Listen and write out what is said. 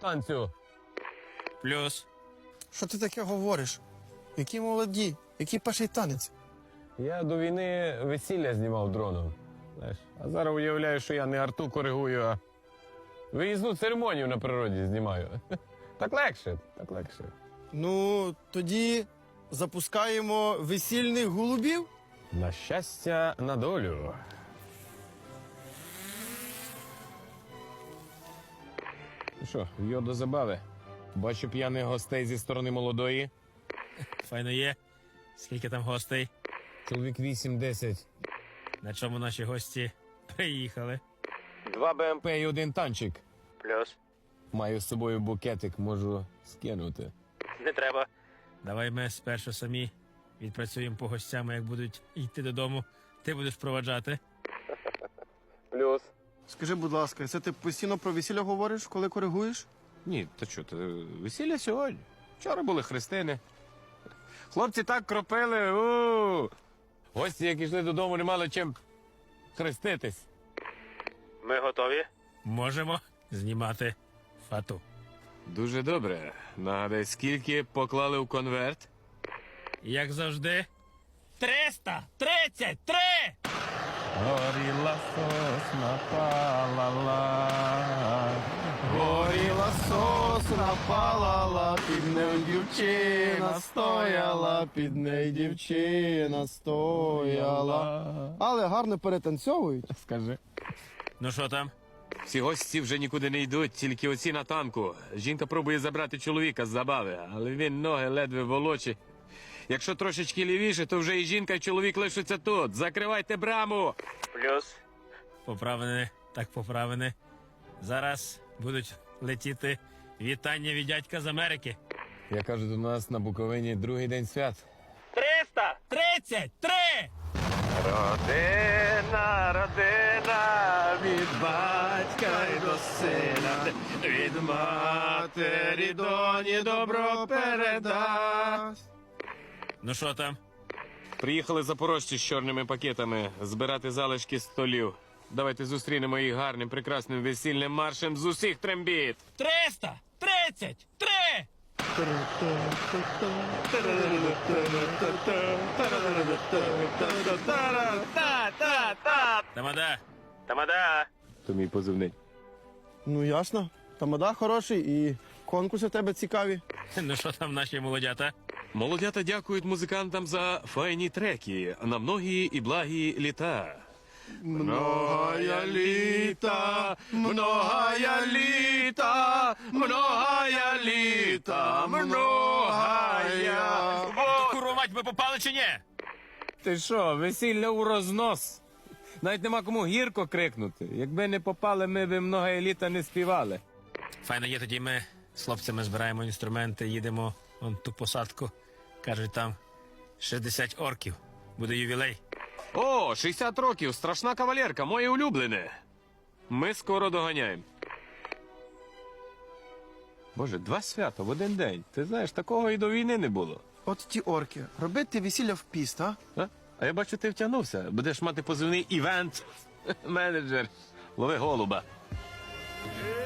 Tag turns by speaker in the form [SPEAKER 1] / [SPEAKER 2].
[SPEAKER 1] танцю.
[SPEAKER 2] Плюс.
[SPEAKER 3] Що ти таке говориш? Які молоді, який перший танець?
[SPEAKER 1] Я до війни весілля знімав дроном. Знаєш, а зараз уявляю, що я не арту коригую, а виїзну церемонію на природі знімаю. Так легше, так легше.
[SPEAKER 3] Ну, тоді запускаємо весільних голубів.
[SPEAKER 1] На щастя, на долю. Ну що, йо до забави. Бачу п'яних гостей зі сторони молодої.
[SPEAKER 2] Файно є. Скільки там гостей?
[SPEAKER 1] Чоловік 8-10.
[SPEAKER 2] На чому наші гості приїхали?
[SPEAKER 1] 2 БМП і 1 танчик.
[SPEAKER 2] Плюс.
[SPEAKER 1] Маю з собою букетик, можу скинути.
[SPEAKER 2] Не треба. Давай ми спершу самі відпрацюємо по гостям, а як будуть йти додому, ти будеш проваджати.
[SPEAKER 1] Плюс.
[SPEAKER 3] Скажи, будь ласка, це ти постійно про весілля говориш, коли коригуєш?
[SPEAKER 1] Ні, та що, ти весілля сьогодні. Вчора були хрестини. Хлопці так кропили. Гості, як йшли додому, не мали чим хреститись.
[SPEAKER 2] Ми готові? Можемо знімати фату.
[SPEAKER 1] Дуже добре. Нагадай, скільки поклали в конверт?
[SPEAKER 2] Як завжди. 333!
[SPEAKER 1] Горіла сосна палала,
[SPEAKER 3] Горіла сосна, палала, під нею дівчина стояла, під нею дівчина стояла. Але гарно перетанцьовують.
[SPEAKER 1] Скажи.
[SPEAKER 2] Ну що там?
[SPEAKER 1] Всі гості вже нікуди не йдуть, тільки оці на танку. Жінка пробує забрати чоловіка з забави, але він ноги ледве волочить. Якщо трошечки лівіше, то вже і жінка, і чоловік лишаться тут. Закривайте браму!
[SPEAKER 2] Плюс. Поправини, так поправини. Зараз будуть летіти вітання від дядька з Америки.
[SPEAKER 1] Я кажу, до нас на Буковині другий день свят.
[SPEAKER 2] 333!
[SPEAKER 1] Родина, родина, від батька й до сина, від матері доні добро передасть.
[SPEAKER 2] Ну що там?
[SPEAKER 1] Приїхали запорожці з чорними пакетами збирати залишки столів. Давайте зустрінемо їх гарним, прекрасним весільним маршем з усіх трембіт.
[SPEAKER 2] 333! Тамада! Тамада!
[SPEAKER 1] То мій позивний.
[SPEAKER 3] Ну ясно. Тамада хороший і конкурси в тебе цікаві.
[SPEAKER 2] Ну що там наші молодята?
[SPEAKER 1] Молодята дякують музикантам за файні треки на многі і благі літа. Многая літа, многая літа, многая літа, многая.
[SPEAKER 2] Курва мать, ми попали чи ні?
[SPEAKER 1] Ти що, весілля у рознос? Навіть нема кому гірко крикнути. Якби не попали, ми б многая літа не співали.
[SPEAKER 2] Файно є, тоді ми з хлопцями збираємо інструменти, їдемо вон ту посадку. Кажуть, там 60 орків. Буде ювілей.
[SPEAKER 1] О, 60 років, страшна кавалерка, моє улюблене. Ми скоро доганяємо. Боже, 2 свята в один день. Ти знаєш, такого і до війни не було.
[SPEAKER 3] От ті орки. Робити весілля в піст, а?
[SPEAKER 1] А я бачу, ти втягнувся. Будеш мати позивний івент менеджер. Лови голуба.